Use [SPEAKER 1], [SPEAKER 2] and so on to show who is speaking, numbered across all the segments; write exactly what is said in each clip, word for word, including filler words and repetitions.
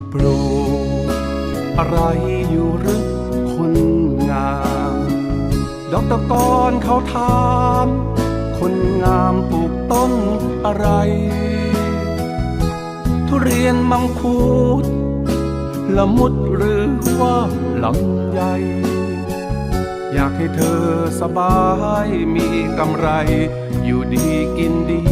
[SPEAKER 1] ปลูกอะไรอยู่หรือคนงามดอกตะกอนเขาถามคนงามปลูกต้นอะไรทุเรียนมังคุดละมุดหรือว่าลำไยอยากให้เธอสบายมีกำไรอยู่ดีกินดี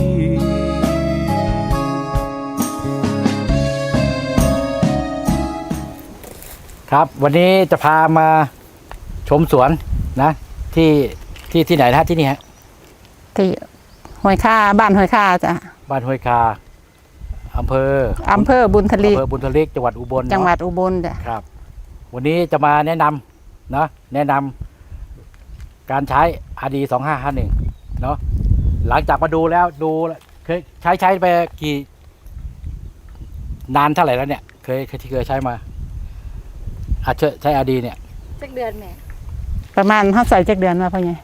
[SPEAKER 2] ครับวันนี้จะพามาชมสวนนะที่ที่ที่ไหนนะที่นี่ฮะ
[SPEAKER 3] ที่ห้วยค่าบ้านห้วยค่าจ้ะ
[SPEAKER 2] บ้านห้วยคาอำเภอ
[SPEAKER 3] อำเภอบุญทลี
[SPEAKER 2] อำเภอบุญทลีจังหวัดอุบล
[SPEAKER 3] จังหวัดอุบลจ้ะ
[SPEAKER 2] ครับวันนี้จะมาแนะนำนะแนะนำการใช้ อาร์ ดี สองห้าห้าหนึ่งเนาะหลังจากมาดูแล้วดูเคยใช้ใช้ไปกี่นานเท่าไหร่แล้วเนี่ยเคยที่เคยใช้มาอาจจะใช้ อาร์ ดี เนี่ย
[SPEAKER 4] สักเดือนแม่
[SPEAKER 3] ประมาณห้าใส่จักเดือนมาพ่อใหญ่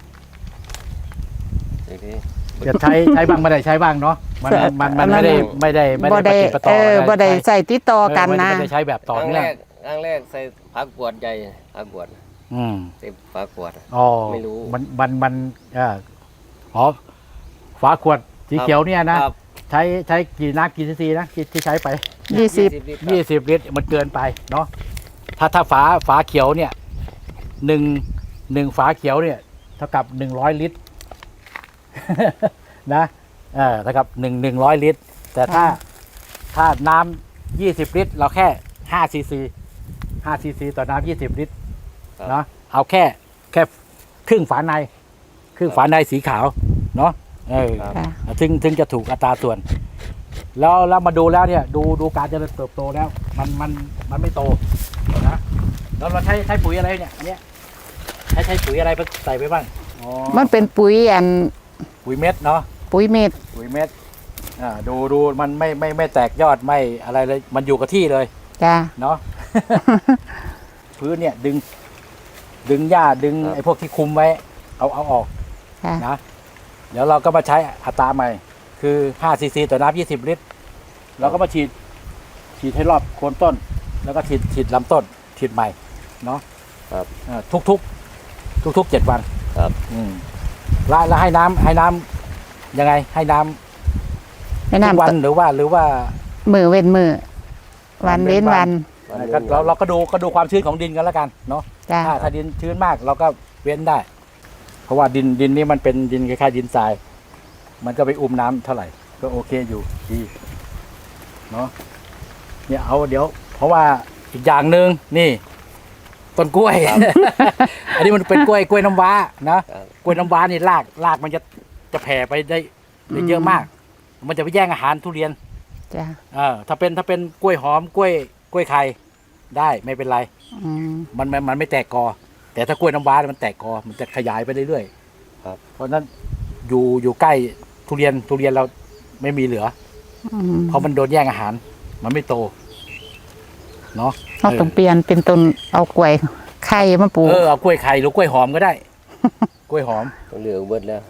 [SPEAKER 2] จะใช้ใช้บ้างไม่ได้ใช้บ้างเนาะมันมันมันไม่ได้ไม่ได้ไม่ได้ปฏิปต่อ
[SPEAKER 3] เออบ่ได้ใส่ติดต่อกันนะ
[SPEAKER 2] ไม่ได้ใช้แบบต่อเนื่อง
[SPEAKER 5] ครั้งแรกใส่ผักบวชใหญ่ผักบวช
[SPEAKER 2] อืม
[SPEAKER 5] ใส่ผักบวช
[SPEAKER 2] อ๋อ
[SPEAKER 5] ไม่รู้
[SPEAKER 2] มันมันมันอ่าอ๋อฝาขวดสีเขียวเนี่ยนะใช้ใช้กี่น้ำกี่ซีซีนะที่ใช้ไป
[SPEAKER 3] ยี่สิบ
[SPEAKER 2] ยี่สิบลิตรมันเกินไปเนาะถ้าถ้าฝาฝาเขียวเนี่ยหนึ่งหนึ่งฝาเขียวเนี่ยเท่ากับหนึ่งร้อยลิตรนะเออเท่ากับหนึ่งหนึ่งร้อยลิตรแต่ถ้าถ้าน้ำยี่สิบลิตรเราแค่ห้าซีซีห้าซีซีต่อน้ำยี่สิบลิตรเนาะเอาแค่แค่ครึ่งฝาในครึ่งฝาในสีขาวเนาะเออถึงถึงจะถูกอัตราส่วนแล้วแล้วมาดูแล้วเนี่ยดูดูการเจริญเติบโตแล้วมันมันมันไม่โตนะแล้วเราใช้ใช้ปุ๋ยอะไรเนี่ยอันเนี้ยใช้ใช้ปุ๋ยอะไรใส่ไปบ้างอ๋อ
[SPEAKER 3] มันเป็นปุ๋ยอัน
[SPEAKER 2] ปุ๋ยเม็ดเนาะ
[SPEAKER 3] ปุ๋ยเม็ด
[SPEAKER 2] ปุ๋ยเม็ดอ่าดูดูมันไม่ไม่ไม่แตกยอดไม่อะไรเลยมันอยู่กับที่เลย
[SPEAKER 3] จ้า
[SPEAKER 2] เนาะ พื้นเนี่ยดึงดึงหญ้าดึงไอ้พวกที่คุมไว้เอาเอาออกนะเดี๋ยวเราก็มาใช้อัตราใหม่คือห้าซีซีต่อน้ำยี่สิบลิตรเราก็มาฉีดฉีดให้รอบโคนต้นแล้วก็ฉีดฉีดลำต้นฉีดใหม่เนาะ
[SPEAKER 5] ครับ
[SPEAKER 2] ทุกทุกทุกทุกเจ็ดวัน
[SPEAKER 5] ครับ
[SPEAKER 2] อืมแล้วแล้วให้น้ำให้น้ำยังไงให้น้ำ
[SPEAKER 3] ให้น้ำ
[SPEAKER 2] วันหรือว่าหรือว่า
[SPEAKER 3] มือเว้นมือวันเว้นวัน
[SPEAKER 2] เราเราก็ดูก็ดูความชื้นของดินกันแล้วกันเนาะถ้าถ้าดินชื้นมากเราก็เว้นได้เพราะว่าดินดินนี้มันเป็นดินคล้ายๆดินทรายมันก็ไปอุ้มน้ำเท่าไหร่ก็โอเคอยู่ดีเนาะเนี่ยเอาเดี๋ยวเพราะว่าอีกอย่างหนึ่งนี่ต้นกล้วย อันนี้มันเป็นกล้วยกล้วยน้ำว้านะกล้วยน้ำว้านี่รากรากมันจะจะแผ่ไปได้ได้เยอะมากมันจะไปแย่งอาหารทุเรียน
[SPEAKER 3] จ้ะ
[SPEAKER 2] เออถ้าเป็นถ้าเป็นกล้วยหอมกล้วยกล้วยไข่ได้ไม่เป็นไรมันมันมันไม่แตกกอแต่ถ้ากล้วยน้ำว้ามันแตกกอมันจะขยายไปเรื่อยๆครับเพราะนั้นอยู่อยู่ใกล้ทุเรียนทุเรียนเราไม่มีเหลือเพราะมันโดนแย่งอาหารมันไม่โตเนาะ
[SPEAKER 3] เราต้องเปลี่ยนเป็นต้นเอากล้วยไข่มาปลูก
[SPEAKER 2] เออเอากล้วยไข่หรือกล้วยหอมก็ได้กล้วยหอม
[SPEAKER 5] เหลือเบิดแล้ว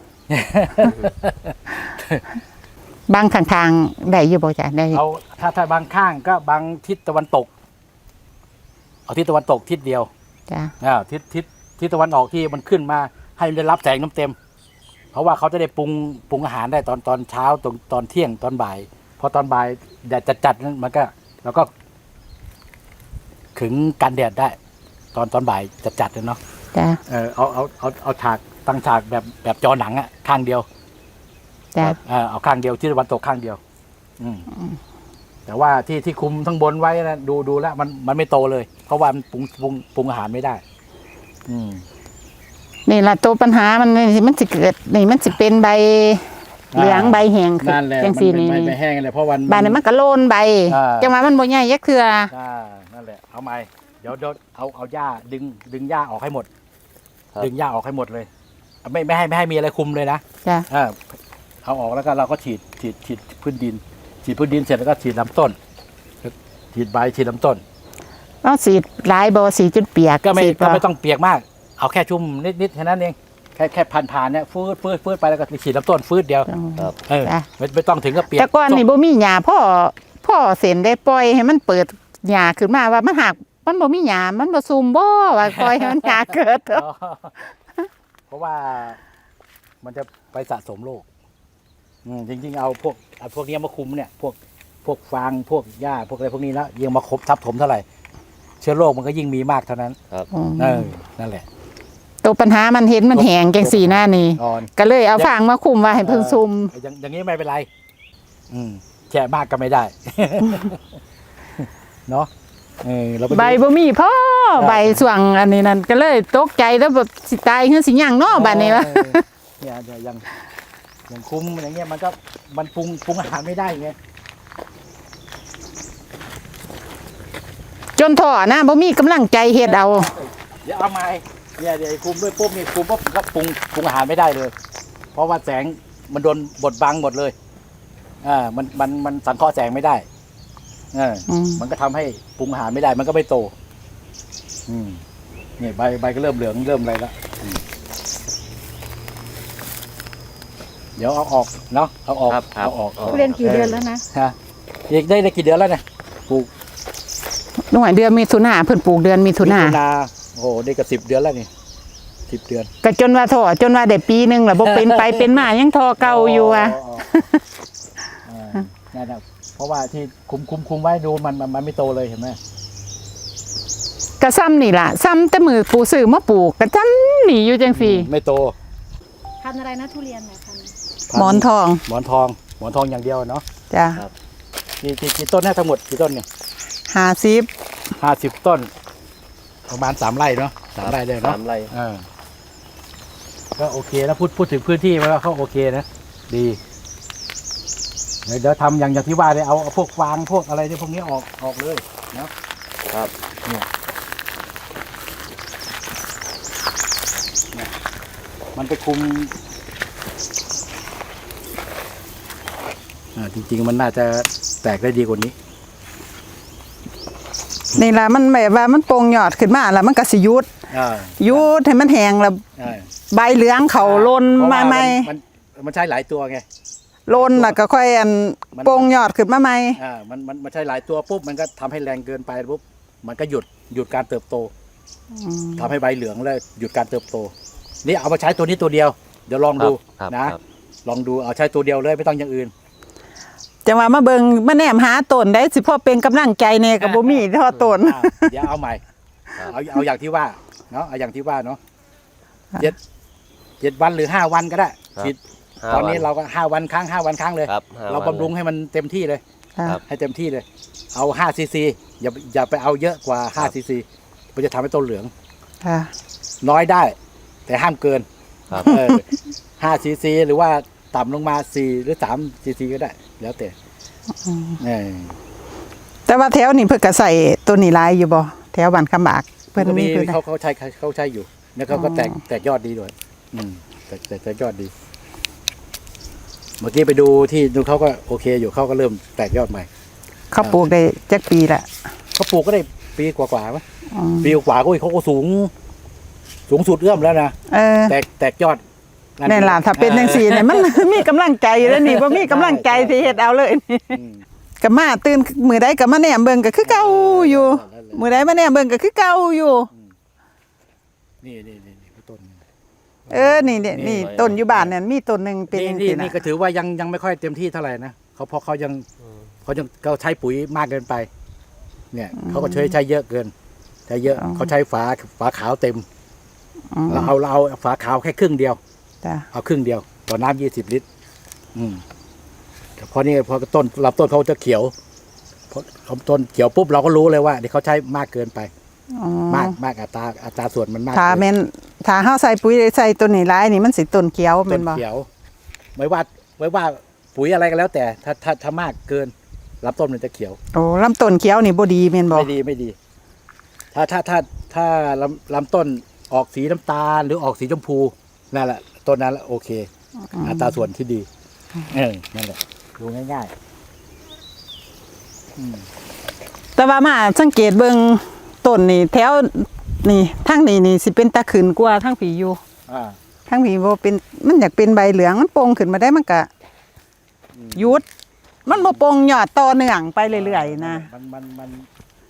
[SPEAKER 3] บางข้างๆได้อยู่บ่จ้ะได้
[SPEAKER 2] เอาถ้าถ้าบางข้างก็บางทิศตะวันตกเอาทิศตะวันตกทิศเดียว
[SPEAKER 3] จ้ะ
[SPEAKER 2] อ่าทิศทิศทิศตะวันออกที่มันขึ้นมาให้มันได้รับแสงน้ำเต็มเพราะว่าเขาจะได้ปรุงปรุงอาหารได้ตอนตอนเช้าตอนตอนเที่ยงตอนบ่ายพอตอนบ่ายแดดจัดๆนั้นมันก็แล้วก็ขึงกันแดดได้ตอนตอนบ่ายจัดๆเลยเนาะ
[SPEAKER 3] จ้ะ
[SPEAKER 2] เออเอาเอาเอาเอาฉากตั้งฉากแบบแบบจอหนังอะข้างเดียว
[SPEAKER 3] จ้ะ
[SPEAKER 2] เออเอาข้างเดียวที่ตะวันตกข้างเดียวอืมแต่ว่าที่ที่คุมทั้งบนไว้นะดูดูแล้วมันมันไม่โตเลยเพราะว่ามันปรุงปรุงปรุงอาหารไม่ได้อืม
[SPEAKER 3] นี่แหละตัวปัญหามันมันสิเกิดนี่มันสิเป็นใบเหลืองใบแห้ง
[SPEAKER 2] นั่นแหละมันเป็นใบแห้งเลยเพราะวัน
[SPEAKER 3] ใบนั้นมันก็โลนใบจังหวะมันบ่ใหญ่ยักเทื่อ
[SPEAKER 2] อ่านั่นแหละเอาใหม่เดี๋ยวเดี๋ยวเอาเอาหญ้าดึงดึงหญ้าออกให้หมดดึงหญ้าออกให้หมดเลยไม่ไม่ให้ไม่ให้มีอะไรคุมเลยนะ
[SPEAKER 3] จ้ะ
[SPEAKER 2] อ่าเอาออกแล้วก็เราก็ฉีดฉีดฉีดพื้นดินฉีดพื้นดินเสร็จแล้วก็ฉีดลำต้นฉีดใบฉีดลำต้น
[SPEAKER 3] ต้องฉีดหลายบ่สีจนเปียก
[SPEAKER 2] ก็ไม่ก็ไม่ต้องเปียกมากเอาแค่ชุ่มนิดๆแค่นั้นเองแค่แค่ผ่านๆเนี่ยฟืดฟืดฟืดไปแล้วก็ฉีดลำต้นฟืดเดียวเออไม่ไม่ต้องถึงกับเปียก
[SPEAKER 3] แต่ก่อนนี่บ่มีหญ้าพ่อพ่อเส้นได้ปล่อยให้มันเปิดหญ้าขึ้นมาว่ามันหักมันบ่มีหญ้ามันบ่ซุ่มบ่ว่าปล่อยให้มันหญ้าเกิด
[SPEAKER 2] อ๋อเพราะว่ามันจะไปสะสมโรคอืมจริงๆเอาพวกเอาพวกนี้มาคุมเนี่ย พวกพวกฟางพวกหญ้าพวกอะไรพวกนี้แล้วยิ่งมาครบทับถมเท่าไหร่เชื้อโรคมันก็ยิ่งมีมากเท่านั้น
[SPEAKER 5] ครับ
[SPEAKER 2] เออนั่นแหละ
[SPEAKER 3] ตัวปัญหามันเห็นมันแห้งจังซี่หน้านี่
[SPEAKER 2] อ่อน
[SPEAKER 3] ก็เลยเอาฟางมาคุมไว้ให้เพิ่นซุ่ม
[SPEAKER 2] เอออย่างอย่างนี้ไม่เป็นไร อืมแฉะมากก็ไม่ได้ เนาะเออเราไปดู
[SPEAKER 3] ใบบ่มีพ่อใบส่วงอันนี้นั่นก็เลยตกใจแล้วแบบสิตายคือสิหยังเนาะบัดนี้วะ
[SPEAKER 2] เออเนี่ยเนี่ยอย่างอย่างคุมอย่างเงี้ยมันก็มันปรุงปรุงอาหารไม่ได้ไง
[SPEAKER 3] จนถ่อนะบ่มีกำลังใจเฮ็ดเอา
[SPEAKER 2] เดี๋ยวเอาไม้เนี่ยเดี๋ยวไอ้คุมด้วยปุ๊บนี่คุมปุ๊บก็ปรุงปรุงอาหารไม่ได้เลย เพราะว่าแสงมันโดนบดบังหมดเลยอ่ามันมันมันสังเคราะห์แสงไม่ได้เอออ
[SPEAKER 3] ม
[SPEAKER 2] มันก็ทำให้ปรุงอาหารไม่ได้ มันก็ไม่โต อืมนี่ใบใบก็เริ่มเหลืองเริ่มอะไรแล้วอืมเดี๋ยวเอาออกเนาะเอาออก
[SPEAKER 5] ครับครับ
[SPEAKER 2] เอาออก
[SPEAKER 3] ทุเรียนกี่เดือนแล้วนะ
[SPEAKER 2] ฮะอีกได้ได้กี่เดือนแล้วเนี่ยปลูก
[SPEAKER 3] หน่วยเดือนมิถุนาเพิ่นปลูกเดือนมิถุนา
[SPEAKER 2] มินาโอ้โหได้กับสิบเดือนแล้วนี่สิบเดือน
[SPEAKER 3] ก็จนว่าถ่อจนว่าได้ปีหนึงแล้วบ่เป็นไปเป็นมายังทอเก่าอยู่อ่ะ
[SPEAKER 2] อ่านั่นนะเพราะว่าที่คุมคุมคุมไว้ดูมันมันมันไม่โตเลยเห็นไหม
[SPEAKER 3] ก็ซ้ำนี่ล่ะซ้ำแต่มือปูซื้อมาปลูกก็จำนี่อยู่จังซี่
[SPEAKER 2] ไม่โต
[SPEAKER 4] พันธุ์อะไรนะทุเรียนเนี่ยพันธุ์
[SPEAKER 3] หมอนทอง
[SPEAKER 2] หมอนทองหมอนทองอย่างเดียวเนาะ
[SPEAKER 3] จ้ะ
[SPEAKER 2] กี่กี่กี่ต้นนะทั้งหมดกี่ต้นเนี่ย
[SPEAKER 3] ห้าสิบ
[SPEAKER 2] ห้าสิบต้น ประมาณสามไร่เนาะสามไร่เลยเนาะ
[SPEAKER 5] สามไร่
[SPEAKER 2] อ่าก็โอเคแล้วพูดพูดถึงพื้นที่มันก็เขาโอเคนะดีเดี๋ยวเดี๋ยวทำอย่างอย่างที่ว่าเลยเอาเอาพวกฟางพวกอะไรที่พวกนี้ออกออกเลยเนาะ
[SPEAKER 5] ครับ
[SPEAKER 2] เนี่ยเนี่ยมันไปคุมอ่าจริงๆมันน่าจะแตกได้ดีกว่านี้
[SPEAKER 3] นี่ล่ะมันแบบว่ามันโป่งยอดขึ้นมาแล้วมันก็สิหยุด
[SPEAKER 2] อ่า
[SPEAKER 3] หยุดให้มันแห้งแล้ว
[SPEAKER 2] อ่า
[SPEAKER 3] ใบเหลืองเขาลน
[SPEAKER 2] เพระ
[SPEAKER 3] มา
[SPEAKER 2] ว่
[SPEAKER 3] ใหม่
[SPEAKER 2] มันมันใช้หลายตัวไง
[SPEAKER 3] ลนแล้วก็ค่อยอัน
[SPEAKER 2] มัน
[SPEAKER 3] โป่งยอดขึ้นมาใหม่
[SPEAKER 2] อ่ามันมันมันใช้หลายตัวปุ๊บมันก็ทำให้แรงเกินไปปุ๊บมันก็หยุดหยุดการเติบโตทำให้ใบเหลืองแล้วหยุดการเติบโต นี่เอามาใช้ตัวนี้ตัวเดียว เดี๋ยวลองดู
[SPEAKER 5] ครับ
[SPEAKER 2] นะ
[SPEAKER 5] ครับ
[SPEAKER 2] ลองดูเอาใช้ตัวเดียวเลยไม่ต้องอย่างอื่น
[SPEAKER 3] จังว่ามาเบิ่งมาแนมหาต้นได้สิพอเป็นกำลังใจแน่ก็บ่มีเทอต้น
[SPEAKER 2] อ่าเดี๋ยวเอาใหม่เอาเอาอย่างที่ว่าเนาะเอาอย่างที่ว่าเนาะ
[SPEAKER 3] ค่ะ
[SPEAKER 2] เจ็ดเจ็ดวันหรือห้าวันก็ได้
[SPEAKER 5] ครับ
[SPEAKER 2] ฉีด
[SPEAKER 5] ห้า
[SPEAKER 2] ตอนนี้
[SPEAKER 5] วั
[SPEAKER 2] เราก็ห้าวันครั้งห้าวันครั้งเลย
[SPEAKER 5] ครับห้
[SPEAKER 2] เรา
[SPEAKER 5] วัน
[SPEAKER 2] บำรุงให้มันเต็มที่เลย
[SPEAKER 5] ครับ
[SPEAKER 2] ให้เต็มที่เลย เอาห้าซีซีอย่าอย่าไปเอาเยอะกว่าห้าซีซีมันจะทำให้ต้นเหลือง
[SPEAKER 3] ค่ะ
[SPEAKER 2] น้อยได้ แต่ห้ามเกิน
[SPEAKER 5] ครับ
[SPEAKER 2] เออห้าซีซีหรือว่าต่ำลงมาสี่หรือสามซีซีก็ได้ แล้วแต่เออ
[SPEAKER 3] แต่ว่าแถวนี้เพิ่นก็ใส่ตัวนี้หลายอยู่บ่แถวบ้านคำบากเพิ่น
[SPEAKER 2] ก็
[SPEAKER 3] มี
[SPEAKER 2] มี
[SPEAKER 3] เพิ่น
[SPEAKER 2] เขาเขาใช้เขาใช้อยู่แล้วเขาก็
[SPEAKER 3] อ๋อ
[SPEAKER 2] แตกแตกยอดดีด้วย อืมแตกแตกแตกยอดดี เมื่อกี้ไปดูที่ดูเขาก็โอเคอยู่เขาก็เริ่มแตกยอดใหม่
[SPEAKER 3] เขาปลูกได้จักปีละ
[SPEAKER 2] เขาปลูกก็ได้ปีกว่าๆไหม
[SPEAKER 3] อืม
[SPEAKER 2] ปีกว่าก็เขาก็สูง สูงสุดเอื้อมแล้วนะ
[SPEAKER 3] เออ
[SPEAKER 2] แตกแตกยอด
[SPEAKER 3] นี่ล่ะถ้าเป็นจังซี่เนี่ยมัน มีกำลังใจแล้วนี่บ่มีกำลังใจที่เฮ็ดเอาเลยนี่
[SPEAKER 2] อืม
[SPEAKER 3] ก็มาตื่นมื้อใดก็มาแนมเบิ่งก็คือเก่าอยู่มื้อใดมาแนมเบิ่งก็คือเก่าอยู่
[SPEAKER 2] นี่นี่นี่นี่ต้น
[SPEAKER 3] เออนี่เนี่ยนี่ต้นอยู่บ้านเนี่ยมีต้นหนึงเป็น
[SPEAKER 2] นี่
[SPEAKER 3] จัง
[SPEAKER 2] นี่
[SPEAKER 3] ซี่
[SPEAKER 2] นี่
[SPEAKER 3] นะ
[SPEAKER 2] ก็ถือว่ายังยังไม่ค่อยเต็มที่เท่าไหร่นะเขาเพราะเขายังเขายังเขาใช้ปุ๋ยมากเกินไป เนี่ยเขาก็ใช้ใช้เยอะเกินใช้เยอะเขาใช้ฝาฝาขาวเต็ม
[SPEAKER 3] อืม
[SPEAKER 2] เราเอาเราเอาฝาขาวแค่ครึ่งเดียว
[SPEAKER 3] จ้ะ
[SPEAKER 2] เอาครึ่งเดียวต่อน้ำยี่สิบลิตร อืมแต่พอนี่พอต้นลำต้นเขาจะเขียวพอลำต้นเขียวปุ๊บเราก็รู้เลยว่าเดี๋ยวเขาใช้มากเกินไป
[SPEAKER 3] อ๋อ
[SPEAKER 2] มากมากอัตราอัตราส่วนมันมาก
[SPEAKER 3] ถ้า
[SPEAKER 2] เกิน
[SPEAKER 3] แม่นถ้าเฮาใส่ปุ๋ยใส่ต้นนี้หลายนี่มันสิต้นเขียว
[SPEAKER 2] ต้
[SPEAKER 3] แม่
[SPEAKER 2] น
[SPEAKER 3] นบ่
[SPEAKER 2] เขียวไม่ว่าไม่ว่าปุ๋ยอะไรก็แล้ว แต่ถ้าถ้าถ้ามากเกินลำต้นมันจะเขียว
[SPEAKER 3] โอ้ลำต้นเขียวนี่บ่ดีแม่นบ่
[SPEAKER 2] ไม่ดีไม่ดี ถ้าถ้าถ้าถ้าลำลำต้นออกสีน้ำตาลหรือออกสีชมพูนั่นแหละต้นนั้นแหละโอเค อัตราส่วนที่ดีเออนั่นแหละดูง่ายๆอืม
[SPEAKER 3] แต่ว่ามาสังเกตเบิ่งต้นนี่แถวนี่ทางนี้นี่สิเป็นตาขึ้นกว่าทางผีอยู่
[SPEAKER 2] อ่า
[SPEAKER 3] ทางผีบ่เป็นมันอยากเป็นใบเหลืองมันโป่งขึ้นมาได้มันก็หยุด มันบ่โป่งยอดต่อเนื่องไปเรื่อยๆนะ
[SPEAKER 2] มันมันมัน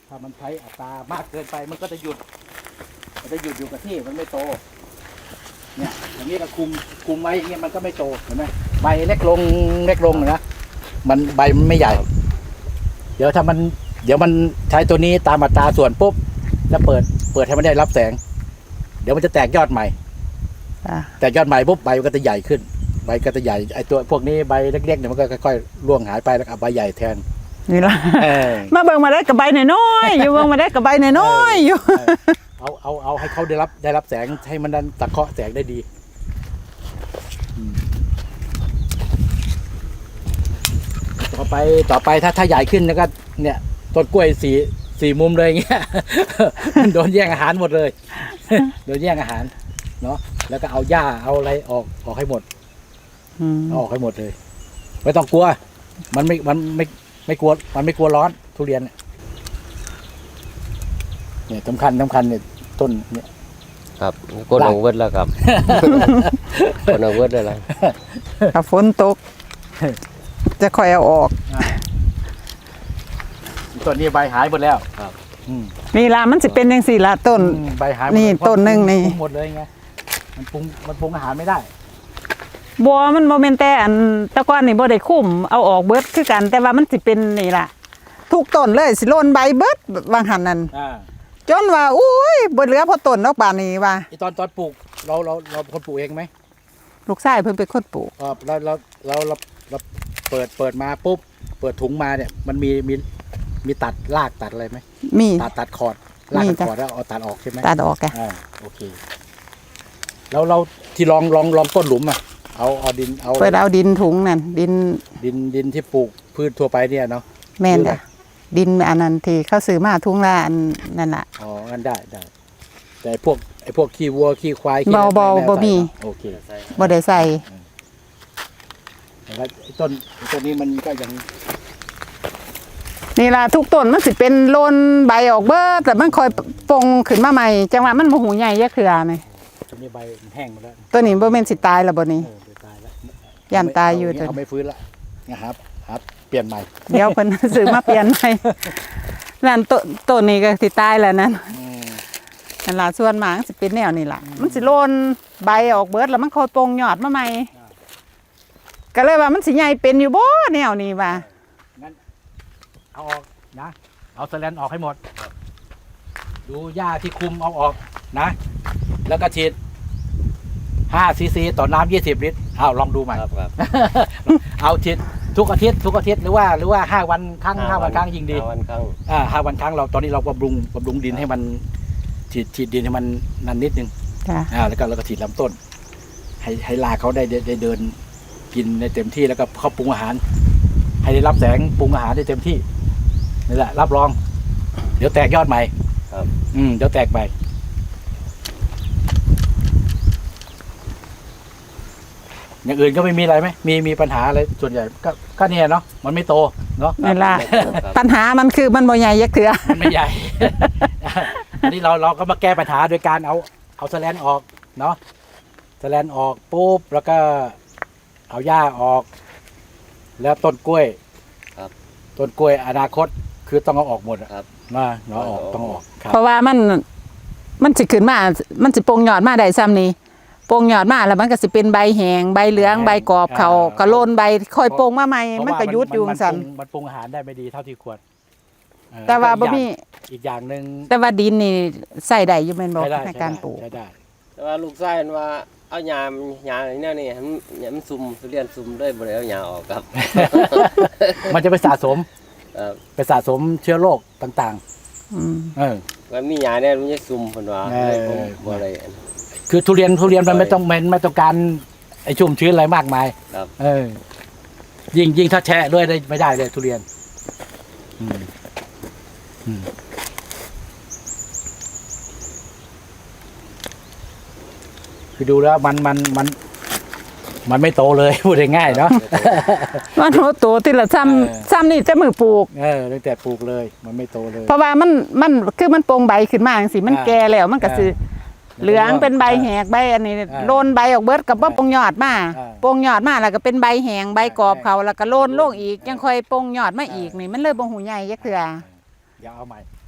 [SPEAKER 2] ถ้ามันใช้อัตรามากเกินไปมันก็จะหยุดมันจะหยุดอยู่กับที่มันไม่โตเนี่ยอย่างนี้เราคุมคุมไว้อย่างเงี้ยมันก็ไม่โตเห็นไหมใบเล็กลงเล็กลงนะมันใบมันไม่ใหญ่ เดี๋ยวถ้ามันเดี๋ยวมันใช้ตัวนี้ตามอัตราส่วนปุ๊บแล้วเปิดเปิดให้มันได้รับแสง เดี๋ยวมันจะแตกยอดใหม่
[SPEAKER 3] จ้ะ
[SPEAKER 2] แตกยอดใหม่ปุ๊บใบมันก็จะใหญ่ขึ้นใบก็จะใหญ่ไอตัวพวกนี้ใบเล็กๆเนี่ยมันก็ค่อยๆร่วงหายไปแล้วเอาใบใหญ่แทน
[SPEAKER 3] นี่ล่ะ
[SPEAKER 2] เออ
[SPEAKER 3] มาเบิ่งมาได้กับใบน้อยๆอยู่เบิ่งมาได้กับใบน้อยๆอยู่
[SPEAKER 2] เอาเอาเอาให้เขาได้รับได้รับแสงให้มันดันตะเคาะแสงได้ดีอืมต่อไปต่อไปถ้าถ้าใหญ่ขึ้นแล้วก็เนี่ยต้นกล้วยสีสี่มุมเลยอย่างเงี้ย มันโดนแย่งอาหารหมดเลย โดนแย่งอาหารเนาะแล้วก็เอาหญ้าเอาอะไรออกออกให้หมด
[SPEAKER 3] อืม
[SPEAKER 2] เอาออกให้หมดเลย ไม่ต้องกลัว มันไม่มันไม่ไม่กลัวมันไม่กลัวร้อนทุเรียนเนี่ยเนี่ยสำคัญสำคัญเนี่ยต้นเนี่ย
[SPEAKER 5] ครับคนเอาเวิร์ดแล้วครับ คนเอาเวิร์ดเลยล่ะ
[SPEAKER 3] ถ้าฝนตก จะค่อยเอาออก
[SPEAKER 2] ต้นนี้ใบหายหมดแล้ว
[SPEAKER 5] ครับ
[SPEAKER 2] อืม
[SPEAKER 3] นี่ล่ะมันสิเป็นจังซี่ล่ะต้น
[SPEAKER 2] อืมใบหายหมด
[SPEAKER 3] นี่
[SPEAKER 2] เลยเพราะ
[SPEAKER 3] ต้นหนึ่งนี่
[SPEAKER 2] ปรุงหมดเลยไงมันปรุงมันปรุงอาหารไม่ได้
[SPEAKER 3] บัวมันบ่แม่นแต่อันแตะกอนนี่บ่ได้คุ้มเอาออกเบิดคือกัน แต่ว่ามันสิเป็นนี่ล่ะทุกต้นเลยสิโลนใบเบิดบางหันนั่น
[SPEAKER 2] อ่า
[SPEAKER 3] จนว่าอุ้ยบ่เหลือพอต้นดอกบานนี้ว่า
[SPEAKER 2] ไอตอนตอนปลูกเราเราเราคนปลูกเองไหม
[SPEAKER 3] ลูกชายเพิ่นเป็นคนปลูก
[SPEAKER 2] เออเราเราเราเราเราเปิดเปิดมาปุ๊บเปิดถุงมาเนี่ย มันมีมีมีตัดรากตัดอะไรไหม
[SPEAKER 3] มี
[SPEAKER 2] ตัดตัดคอร์ดราก
[SPEAKER 3] มี
[SPEAKER 2] ตัด
[SPEAKER 3] จ้ะ
[SPEAKER 2] คอร์ดแล้วเอาตัดออกใช่ไหม
[SPEAKER 3] ตัดออกแก
[SPEAKER 2] อ่าโอเคแล้วเราที่ลองลองลองก้นหลุมอ่ะเอาเอาดินเอา
[SPEAKER 3] เปิดเอาดินถุงนั่นดิน
[SPEAKER 2] ดินดินที่ปลูกพืชทั่วไปเนี่ยเนาะ
[SPEAKER 3] แม่น
[SPEAKER 2] หรือ
[SPEAKER 3] จ้ะดินอันนั้นที่เขาซื้อมาถุงละอันนั่นล่ะ
[SPEAKER 2] อ๋องั้นได้ได้แต่พวกไอ้พวกขี้วัวขี้ควายขี้
[SPEAKER 3] เบา
[SPEAKER 2] อะไร
[SPEAKER 3] เบา
[SPEAKER 2] ไไ
[SPEAKER 3] บ่มี
[SPEAKER 2] ใส่เนอะโอเค
[SPEAKER 3] บ่ได้ใส่
[SPEAKER 2] แล้วไอ้ต้นไอ้ต้นนี้มันก็ยัง
[SPEAKER 3] นี่ล่ะทุกต้นมันสิเป็นโลนใบออกเบิดแต่มันค่อยปงขึ้นมาใหม่จังหวะมันบ่หูใหญ่ยักเทื่อนี่
[SPEAKER 2] ต้นนี้ใบมันแห้งหมดแล้ว
[SPEAKER 3] ตัวนี้บ่แม่นสิตายแล้วบ่นี้
[SPEAKER 2] เออเดี๋ยวตายแล้ว
[SPEAKER 3] ย่านตายอยู่
[SPEAKER 2] เา
[SPEAKER 3] ตัว
[SPEAKER 2] เอาไม่ฟื้นละนะครับครับเปลี่ยนใหม่
[SPEAKER 3] เดี๋ยวเพิ่น ซื้อมาเปลี่ยนใหม่นั่นต้นต้นนี้ก็สิตายแล้วนั่น
[SPEAKER 2] อืม
[SPEAKER 3] นั่นล่ะส่วนมากสิเป็นแนวนี้ล่ะ มันสิโลนใบออกเบิดแล้วมันค่อยปงยอดมาใหม่ก็เลยว่ามันสิใหญ่เป็นอยู่บ่แนวนี้ว่า
[SPEAKER 2] งั้นเอาออกนะเอาสแลนออกให้หมดดูหญ้าที่คุมเอาออกนะ แล้วก็ฉีดห้าซีซีต่อน้ำยี่สิบลิตรเอาลองดูใหม่
[SPEAKER 5] ครับครับ
[SPEAKER 2] เอาฉีดทุกอาทิตย์ทุกอาทิตย์หรือว่าหรือว่าห้าวันครั้งห้าวันครั้งยิงดี
[SPEAKER 5] ห้าวันครั้ง
[SPEAKER 2] อ่าห้าวันครั้งเราตอนนี้เราบำรุงบำรุงดินให้มันฉีดฉีดดินให้มันนันนิดนึง
[SPEAKER 3] จ้ะ
[SPEAKER 2] อ่าแล้วก็แล้วก็ฉีดลำต้น ให้ให้รากเขาได้ได้ได้เดินกินในเต็มที่แล้วก็เขาปรุงอาหาร ให้ได้รับแสงปรุงอาหารได้เต็มที่นี่แหละรับรอง เดี๋ยวแตกยอดใหม่
[SPEAKER 5] ครับ
[SPEAKER 2] อืมเดี๋ยวแตกใหม่อย่างอื่นก็ไม่มีอะไรไหมมีมีปัญหาอะไรส่วนใหญ่ก็ก็เนี่ยเนาะมันไม่โตเนาะ
[SPEAKER 3] นั่นล่ะ
[SPEAKER 5] ครับ
[SPEAKER 3] ปัญหามันคือมันบ่ใหญ่ยักเทื่อ
[SPEAKER 2] มันไม่ใหญ่ อันนี้เราเราก็มาแก้ปัญหาโดยการเอาเอาสแลนออกเนาะสแลนออกปุ๊บแล้วก็เอาหญ้าออก แล้วต้นกล้วย
[SPEAKER 5] ครับ
[SPEAKER 2] ต้นกล้วยอนาคตคือต้องเอาออกหมดอะ
[SPEAKER 5] ครับ
[SPEAKER 2] มาเนาะออกต้องเอาออกครับ
[SPEAKER 3] เพราะว่ามันมันสิขึ้นมามันสิปงยอดมาได้ซ้ำนี้ปงยอดมาแล้วมันก็สิเป็นใบแหงใบเหลืองใบกรอบเขาก็โลนใบค่อยปงมาใหม่
[SPEAKER 2] เพราะ
[SPEAKER 3] มัน
[SPEAKER 2] ว่า
[SPEAKER 3] ก็ยุดอยู่
[SPEAKER 2] มัน
[SPEAKER 3] ซั่น
[SPEAKER 2] ปรุงมันปรุงอาหารได้ไม่ดีเท่าที่ควรเออ
[SPEAKER 3] แต่ว่าบ่
[SPEAKER 2] อีกอย่ง
[SPEAKER 3] มี
[SPEAKER 2] อีกอย่างหนึ่ง
[SPEAKER 3] แต่ว่าดินนี่ใส่ได้อยู่แม่นบ่
[SPEAKER 2] ใช้ได้
[SPEAKER 3] ใน
[SPEAKER 2] ใช้
[SPEAKER 3] การ
[SPEAKER 2] ได้
[SPEAKER 3] ปลูก
[SPEAKER 2] ใช้ได้
[SPEAKER 5] แต่ว่าลูกชายมันว่าเอาหญ้าหญ้านี่นี่ให้มันให้มันซุ่มทุเรียนซุ่มเลยบ่ได้เอาหญ้าออกครับ
[SPEAKER 2] มันจะไปสะสม
[SPEAKER 5] ครับ
[SPEAKER 2] ไปสะสมเชื้อโรคต่าง
[SPEAKER 3] อืม
[SPEAKER 2] ๆ เออ
[SPEAKER 5] ว่ามีหญ้าเนี่ยมันจะซุ่มเพิ่นว่า
[SPEAKER 2] เออ
[SPEAKER 5] เลยผมบ่ได้อัน
[SPEAKER 2] คือทุเรียนทุเรียนมัน
[SPEAKER 5] ใช่
[SPEAKER 2] ไม่ต้องมันไม่ต้องการไอ้ชุ่มชื้นอะไรมากมาย
[SPEAKER 5] ครับ
[SPEAKER 2] เออ ยิ่งยิ่งถ้าแช่ด้วยได้ไม่ได้เลยทุเรียน อืมอืมคือดูแล้วมันมันมัน มันไม่โตเลย พูดง่ายๆเนาะ
[SPEAKER 3] มันโหโตทีละซ้ำ
[SPEAKER 2] เออ
[SPEAKER 3] ซ้ำนี่จะมือปลูก
[SPEAKER 2] เออตั้งแต่ปลูกเลย มันไม่โตเลย
[SPEAKER 3] เพราะว่ามันมันคือมันโปงใบขึ้นมาจังซี่มัน
[SPEAKER 2] อ่า
[SPEAKER 3] แก่แล้วมันก็สิ
[SPEAKER 2] อ่า
[SPEAKER 3] เหลืองเป็นใบแหกใบอันนี้
[SPEAKER 2] อ่า
[SPEAKER 3] โลนใบออกเบิดกับว่าปงยอดมา
[SPEAKER 2] อ่า
[SPEAKER 3] ปงยอดมาแล้วก็เป็นใบแหงใบกรอบ
[SPEAKER 2] อ่า
[SPEAKER 3] เขาแล้วก็โลนลงอีก
[SPEAKER 2] อ่ายั
[SPEAKER 3] ยังค่อยปงยอดมาอีก
[SPEAKER 2] อ่านี่
[SPEAKER 3] นี่มันเลยบ่หูใหญ่ยักเทื่อ
[SPEAKER 2] เดี๋ยวเอาใหม่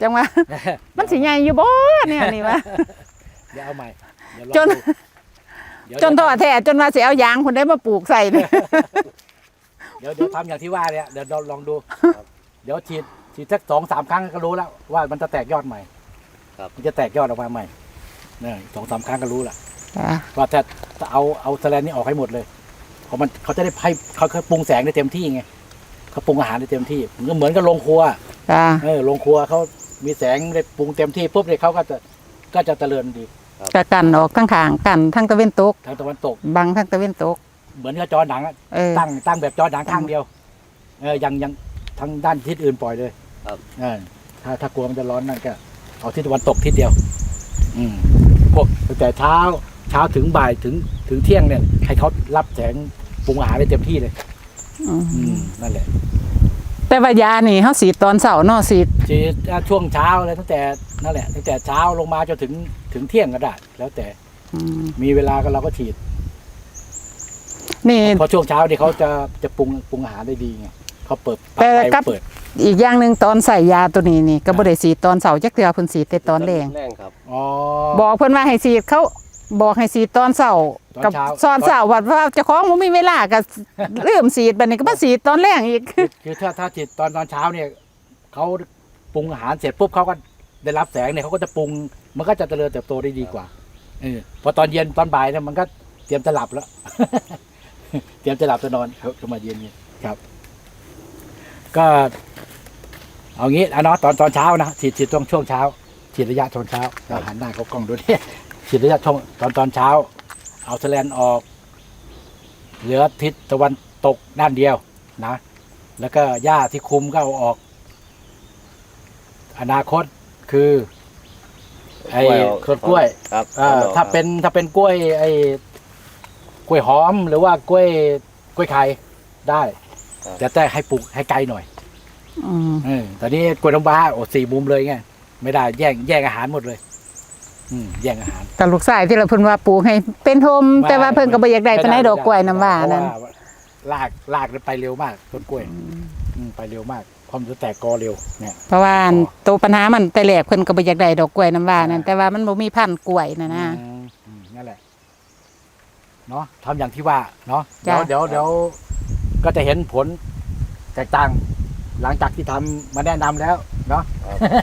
[SPEAKER 3] จังว่า มันสิใหญ่อยู่บ่เนี่ยนี่วะ
[SPEAKER 2] เดี๋ยวเอาใหม่เดี๋ยวลอง
[SPEAKER 3] จน
[SPEAKER 2] ดูเดี๋ยว
[SPEAKER 3] จนท้อแท้จนว่าสิเอายางคนได้มาปลูกใส่เนี่ย
[SPEAKER 2] เดี๋ยวเดี๋ยวทำอย่างที่ว่าเนี่ยเดี๋ยวเราลองดูเดี๋ยวฉีดฉีดสักสองสามครั้งก็รู้แล้วว่ามันจะแตกยอดใหม่
[SPEAKER 5] ครับ
[SPEAKER 2] มันจะแตกยอดออกมาใหม่เนี่ยสองสามครั้งก็รู้ละ
[SPEAKER 3] จ้ะ
[SPEAKER 2] ว่าถ้าถ้าเอาเอาแสแลนนี่ออกให้หมดเลยเพราะมันเขาจะได้ให้เขาเขาปรุงแสงได้เต็มที่ไงเขาปรุงอาหารได้เต็มที่มันก็เหมือนกับโรงครัว
[SPEAKER 3] จ้ะ
[SPEAKER 2] เออโรงครัวเขามีแสงได้ปรุงเต็มที่ปุ๊บเนี่ยเขาก็จะก็จะเจริญดี
[SPEAKER 3] กะกันออกทั้งข้างกันทั้งตะเวนตก
[SPEAKER 2] ทางตะวันตก
[SPEAKER 3] บังทั้งตะเวนตก
[SPEAKER 2] เหมือนกับจอหนังอะ
[SPEAKER 3] เออ
[SPEAKER 2] ตั้งตั้งแบบจอหนังข้างเดียวเออยังยังทางด้านทิศอื่นปล่อยเลย
[SPEAKER 5] ครับ
[SPEAKER 2] เออถ้าถ้ากลัวมันจะร้อนนั่นก็เอาทิศตะวันตกทิศเดียว อืมพวกตั้งแต่เช้าเช้าถึงบ่ายถึงถึงเที่ยงเนี่ย ให้เขารับแสงปรุงอาหารได้เต็มที่เลย
[SPEAKER 3] อืม
[SPEAKER 2] อืมนั่นแหละ
[SPEAKER 3] แต่ว่ายานี่เฮาสีดตอนเช้าเนาะสีด
[SPEAKER 2] ฉีดช่วงเช้าเลยตั้งแต่นั่นแหละตั้งแต่เช้าลงมาจนถึงถึงเที่ยงก็ได้แล้วแต่
[SPEAKER 3] อืม
[SPEAKER 2] มีเวลาก็เราก็ฉีด
[SPEAKER 3] นี่
[SPEAKER 2] เพราะช่วงเช้านี่เขาจะจะปรุงปรุงอาหารได้ดีไงเขาเปิดป
[SPEAKER 3] แต่
[SPEAKER 2] รับไฟ
[SPEAKER 3] กับ
[SPEAKER 2] เปิด
[SPEAKER 3] อีกอย่างหนึงตอนใส่ยาตัวนี้นี่ก็บ่ได้สีดตอนเช้าจักเทื่อเพิ่นสีดแต่ตอนแลง
[SPEAKER 5] แรงครับ
[SPEAKER 2] อ๋อ
[SPEAKER 3] บอกเพิ่นว่าให้สีดเขาบอกให้สีดตอนเช้า
[SPEAKER 2] ตอน
[SPEAKER 3] กับ
[SPEAKER 2] เช้า
[SPEAKER 3] ตอนเช้าว่าว่าเจ้าของบ่มีเวลาก็ ลืมสีดบัดนี้ก็มาสีดตอนแลงอีก
[SPEAKER 2] คือคือถ้าถ้าฉีดตอนตอนเช้าเนี่ยเขาปรุงอาหารเสร็จปุ๊บเขาก็ได้รับแสงเนี่ยเขาก็จะปรุงมันก็จะเจริญเติบโตได้ดีกว่าเออพอตอนเย็นตอนบ่ายเนี่ยมันก็เตรียมจะหลับแล้ว เตรียมจะหลับจะนอนเขาจะมาเย็นเนี่ยครับ ก็เอางี้อ่ะเนาะตอนตอนเช้านะฉีดฉีดตรงช่วงเช้าฉีดระยะตอนเช้าเราหันหน้าเขากล้องดูเนี่ย ฉีดระยะช่วงตอนตอนเช้า เอาแสแลนออก เหลือทิศตะวันตกด้านเดียวนะ แล้วก็หญ้าที่คุมก็เอาออก อนาคตคือ ไอ้ต้นกล้วย
[SPEAKER 5] ครับ
[SPEAKER 2] อ่าถ้าเป็นถ้าเป็นกล้วย ไอ้กล้วยหอมหรือว่ากล้วยกล้วยไข่ได้แต่แต่ให้ปลูกให้ไกลหน่อย
[SPEAKER 3] อืม
[SPEAKER 2] เออตอนนี้กล้วยน้ำว้าโอ้สี่มุมเลยไงไม่ได้แย่งแย่งอาหารหมดเลย อืมแย่งอาหาร
[SPEAKER 3] กับลูกชายที่เราเพิ่นว่าปลูกให้เป็นโฮมแต่ว่าเพิ่นก็บ่อยากได้ปานใดดอกกล้วยน้ำว่านั่น
[SPEAKER 2] เพระลากลากไปเร็วมากต้นกล้วยอืมไปเร็วมากพร้อมจะแตกกอเร็วเนี่ย
[SPEAKER 3] เพราะว่าตัวปัญหามันแต่แรกเพิ่นก็บ่อยากได้ดอกกล้วยน้ำว่านั่นแต่ว่ามันบ่มีพันธุ์กล้วยน่ะนะ
[SPEAKER 2] อืมอืมนั่นแหละเนาะทำอย่างที่ว่าเนาะ
[SPEAKER 3] จ้ะ
[SPEAKER 2] เดี๋ยวเดี๋ยวเดี๋ยวก็จะเห็นผลแตกต่าง หลังจากที่ทำมาแนะนำแล้วเนาะ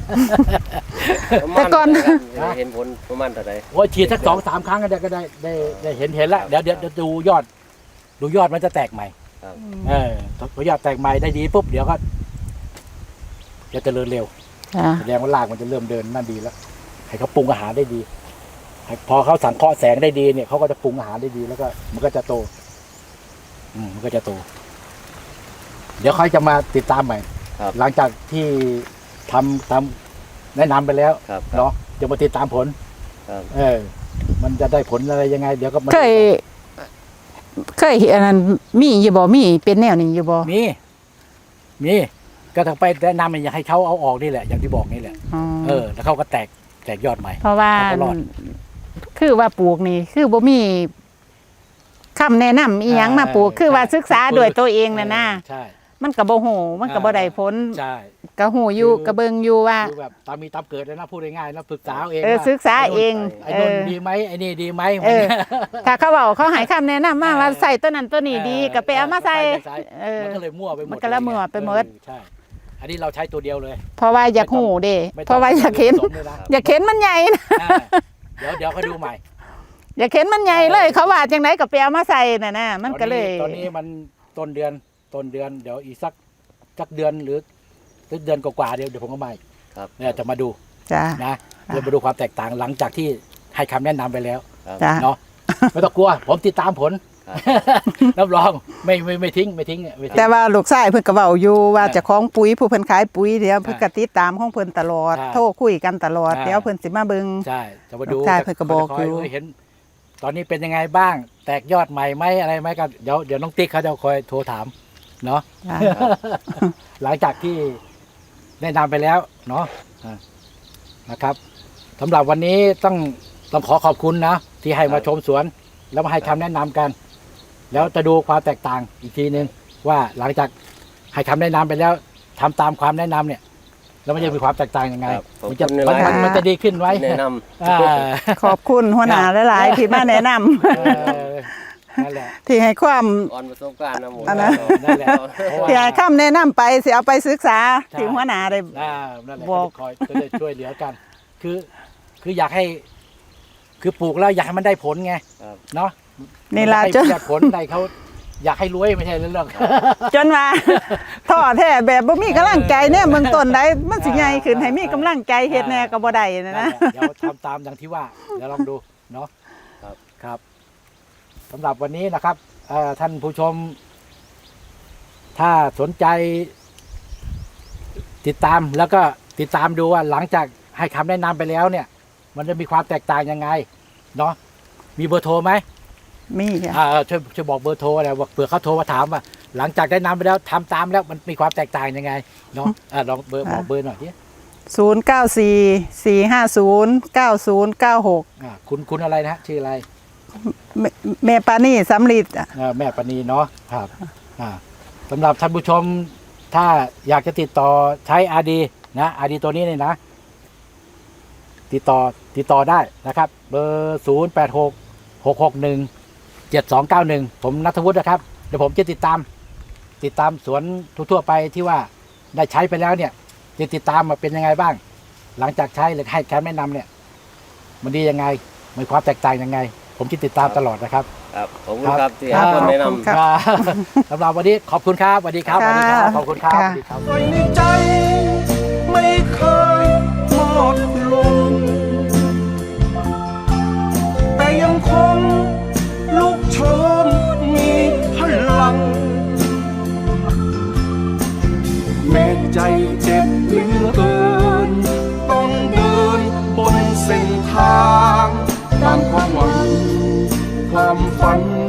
[SPEAKER 3] แต่ก่อน
[SPEAKER 5] ประมาณเท่าไหร่ครับเห็นผลประมาณเท่าไหร่
[SPEAKER 2] โอ้ยฉีดสักสองสามครั้งก็ได้ก็ได้ได้ได้เห็นเห็นแล้วเดี๋ยวเดี๋ยวเดี๋ยวดูยอด ดูยอดมันจะแตกใหม่
[SPEAKER 5] ครับ
[SPEAKER 2] เออพอยอดแตกใหม่ได้ดีปุ๊บเดี๋ยวก็จะเจริญเร็ว
[SPEAKER 3] จ้ะ
[SPEAKER 2] แสดงว่ารากมันจะเริ่มเดินนั่นดีแล้ว ให้เขาปรุงอาหารได้ดีให้พอเขาสังเคราะห์แสงได้ดีเนี่ยเขาก็จะปรุงอาหารได้ดีแล้วก็ มันก็จะโต อืมมันก็จะโต เดี๋ยวเขาจะมาติดตามใหม่
[SPEAKER 5] ครับ
[SPEAKER 2] หลังจากที่ทำทำแนะนำไปแล้ว
[SPEAKER 5] ครับ
[SPEAKER 2] เนาะจะมาติดตามผล
[SPEAKER 5] ครับ
[SPEAKER 2] เออ มันจะได้ผลอะไรยังไง เดี๋ยวก็มา
[SPEAKER 3] เคย เคยเห็นอันนั้นมีอยู่บ่มีเป็นแนวนี้อยู่บ่
[SPEAKER 2] มี มีก็ต้องไปแนะนำอยากให้เขาเอาออกนี่แหละ อย่างที่บอกนี่แหละ
[SPEAKER 3] อ๋อ
[SPEAKER 2] เออ แล้วเขาก็แตกแตกยอดใหม่
[SPEAKER 3] เพราะว่า
[SPEAKER 2] เขาก็รอด
[SPEAKER 3] คือว่าปลูกนี่ คือบ่มีคำแนะนำอีหยังมาปลูก
[SPEAKER 2] เออ
[SPEAKER 3] คือว่า
[SPEAKER 2] ใช่
[SPEAKER 3] ศึกษาด้วยตัวเองน่ะนะ
[SPEAKER 2] ใช่
[SPEAKER 3] มันก็บ่ฮู้มันก็บ่ได้ผล
[SPEAKER 2] ใช่
[SPEAKER 3] ก็ฮู้อยู่
[SPEAKER 2] คือ
[SPEAKER 3] ก็เบิ่งอยู่ว่า
[SPEAKER 2] คือแบบตามมีตามเกิดเลยนะพูดง่ายๆนะปรึกษาเอาเอง
[SPEAKER 3] เออ
[SPEAKER 2] ว่า
[SPEAKER 3] ศึกษาเอง
[SPEAKER 2] ไอ้
[SPEAKER 3] เอ
[SPEAKER 2] นน
[SPEAKER 3] อ
[SPEAKER 2] ดีไหมไอ้นี่ดีไหม
[SPEAKER 3] เออ ถ้าเขาเว้าเขาให้คำแนะนำมาว่าใส่ตัวนั้นตัวนี้ดีก็ไปเอามาใส่เออ
[SPEAKER 2] มันก็เลยมั่วไปหมด
[SPEAKER 3] มันก็เลยมั่วไปหมด
[SPEAKER 2] เออใช่ อันนี้เราใช้ตัวเดียวเลย
[SPEAKER 3] เพราะว่าอยากฮู้เด้
[SPEAKER 2] ไม่ต้ง
[SPEAKER 3] เพราะว่าอยากเห็น
[SPEAKER 2] ผสมเลยนะ
[SPEAKER 3] อยากเห็นมันใหญ่นะ
[SPEAKER 2] อ่าเดี๋ยวเดี๋ยวเขาดูใหม่
[SPEAKER 3] อยากเห็นมันใหญ่เลย เขาว่าจังไดก็ไปเอามาใส่น่ะนะมันก็เลย
[SPEAKER 2] ตอนนี้มันต้นเดือนต้นเดือนเดี๋ยวอีกสักสักเดือนหรือสักเดือนกว่าๆเดี๋ยวเดี๋ยวผมก็มาอีก
[SPEAKER 5] ครับ
[SPEAKER 2] เนี่ยจะมาดู
[SPEAKER 3] จ้า
[SPEAKER 2] นะเดี๋ยวมาดูความแตกต่างหลังจากที่ให้คำแนะนำไปแล้ว
[SPEAKER 3] จ้า
[SPEAKER 2] เนาะไม่ต้องกลัว ผมติดตามผล
[SPEAKER 5] ครับ
[SPEAKER 2] รับรองไม่ไม่ไม่ทิ้งไม่ทิ้งไม่ทิ้ง
[SPEAKER 3] แต่ว่าลูกชายเพิ่นก็เว้าอยู่ว่า
[SPEAKER 2] ใช่
[SPEAKER 3] เจะของปุ๋ยผู้เพิ่นขายปุ๋ยเดี๋ยว
[SPEAKER 2] ใช่
[SPEAKER 3] เพิ่นก็ติดตามของเพิ่นตลอด
[SPEAKER 2] ใช่
[SPEAKER 3] โทรคุยกันตลอด
[SPEAKER 2] ใช่
[SPEAKER 3] เดี๋ยวเพิ่นสิมาเบิ่ง
[SPEAKER 2] ใช่จะมาดู
[SPEAKER 3] ลูกชายเพิ่นก็บอกอยู่
[SPEAKER 2] จะคเห็น ตอนนี้เป็นยังไงบ้าง แตกยอดใหม่ไหมอะไรไหมก็เดี๋ยวเดี๋ยวน้องติ๊กเขาจะคอยโทรถามเนาะ
[SPEAKER 3] จ้า
[SPEAKER 2] หลังจากที่แนะนำไปแล้วเนาะอ่านะครับสำหรับวันนี้ต้องต้องขอขอบคุณนะที่ให้มาชมสวน แล้วมาให้คำแนะนำกัน แล้วจะดูความแตกต่างอีกทีนึงว่าหลังจากให้คำแนะนำไปแล้วทำตามความแนะนำเนี่ยแล้วมันจะมีความแตกต่างยังไง
[SPEAKER 5] ครับขอบ
[SPEAKER 2] มันจะ
[SPEAKER 5] คุณใน
[SPEAKER 2] มัน
[SPEAKER 5] ไลน์
[SPEAKER 2] มันมันจะดีขึ้นไหม
[SPEAKER 5] แนะน
[SPEAKER 2] อ่า
[SPEAKER 3] ขอบคุณหัวหน้าหลายๆที่มาแนะนำ
[SPEAKER 2] เออนั่นแหละ
[SPEAKER 3] ที่ให้ความ
[SPEAKER 5] ำอ่อนประสบการณ์นะหมู
[SPEAKER 3] อันนั้น
[SPEAKER 2] นั่นแหละเพราะว่า
[SPEAKER 3] ที่ให้คำแนะนำไปสิเอาไปศึกษา
[SPEAKER 2] ใช่
[SPEAKER 3] ที่หัวหน้าได้
[SPEAKER 2] อ่านั่นแหละ
[SPEAKER 3] บอก
[SPEAKER 2] ก็จะคอยก็จะช่วยเหลือกัน คือ คืออยากให้ คือปลูกแล้วอยากให้มันได้ผลไง
[SPEAKER 5] ครับ
[SPEAKER 2] เนาะ
[SPEAKER 3] นี่ล่ะ
[SPEAKER 2] มั
[SPEAKER 3] จน
[SPEAKER 2] ได้ผลได้เขาอยากให้รวยไม่ใช่เรื่อง
[SPEAKER 3] จนว่า ท่อแท้แบบบ่มีกำลังใจเนี่ยเบื้องต้นได้มันสิใหญ่ขึ้นให้มีกำลังใจเฮ็ดแน่ก็บ่ได้นะ
[SPEAKER 2] นั่น
[SPEAKER 3] นะ
[SPEAKER 2] แหละเดี๋ยวทำตามอย่างที่ว่า เดี๋ยวลองดูเนาะ
[SPEAKER 5] ครับ
[SPEAKER 2] ครับสำหรับวันนี้นะครับเอ่อท่านผู้ชม ถ้าสนใจ ติดตามแล้วก็ติดตามดูว่าหลังจากให้คำแนะนำไปแล้วเนี่ย มันจะมีความแตกต่างยังไงเนาะมีเบอร์โทรไหม
[SPEAKER 3] มีค่ะ
[SPEAKER 2] อ่าช่วยช่วยบอกเบอร์โทรอะไรว่าเผื่อเขาโทรมาถามว่าหลังจากได้นำไปแล้วทำตามแล้วมันมีความแตกต่างยังไงเนาะอ่าลองเบอร์บอกเบอร์หน่อยดิ
[SPEAKER 3] ศูนย์ เก้า สี่ สี่ ห้า ศูนย์ เก้า ศูนย์ เก้า หก
[SPEAKER 2] อ่าคุณคุณอะไรนะฮะชื่ออะไร
[SPEAKER 3] แม่แม่ปานี่สำลิดอ่ะ
[SPEAKER 2] อ่าแม่ปณีเนาะครับอ่าสำหรับท่านผู้ชมถ้าอยากจะติดต่อใช้อาดีนะอาดีตัวนี้เนี่ยนะ ติดต่อติดต่อได้นะครับ เบอร์ศูนย์แปดหกหกหกหนึ่งเจ็ดสองเก้าหนึ่งผมณัฐวุฒินะครับเดี๋ยวผมจะติดตาม ติดตามสวนทั่วๆไปที่ว่าได้ใช้ไปแล้วเนี่ยจะติดตามมาเป็นยังไงบ้าง หลังจากใช้หรือให้แคมแนะนำเนี่ย มันดียังไงมีความแตกต่างยังไง ผมจะติดตามตลอดนะครับ
[SPEAKER 5] ครับขอบคุณครับที่
[SPEAKER 3] ครับ
[SPEAKER 5] ให้คำแนะ
[SPEAKER 3] ขอบคุณ
[SPEAKER 5] นำ
[SPEAKER 3] ครับ
[SPEAKER 2] อ่าสำหรับวันนี้ขอบคุณครับสวัสดีครับสวัสดีครับ
[SPEAKER 3] ค่ะ
[SPEAKER 2] ขอบคุณครับ
[SPEAKER 3] ค่ะ
[SPEAKER 2] สวัสดีครับ
[SPEAKER 1] ไว้ในใจไม่เคยหมดลง แต่ยังคงลุกโชนมีพลัง แม้ใจเจ็บเหลือเกิน ต้องเดินบนเส้นทางตามความหวังความฝัน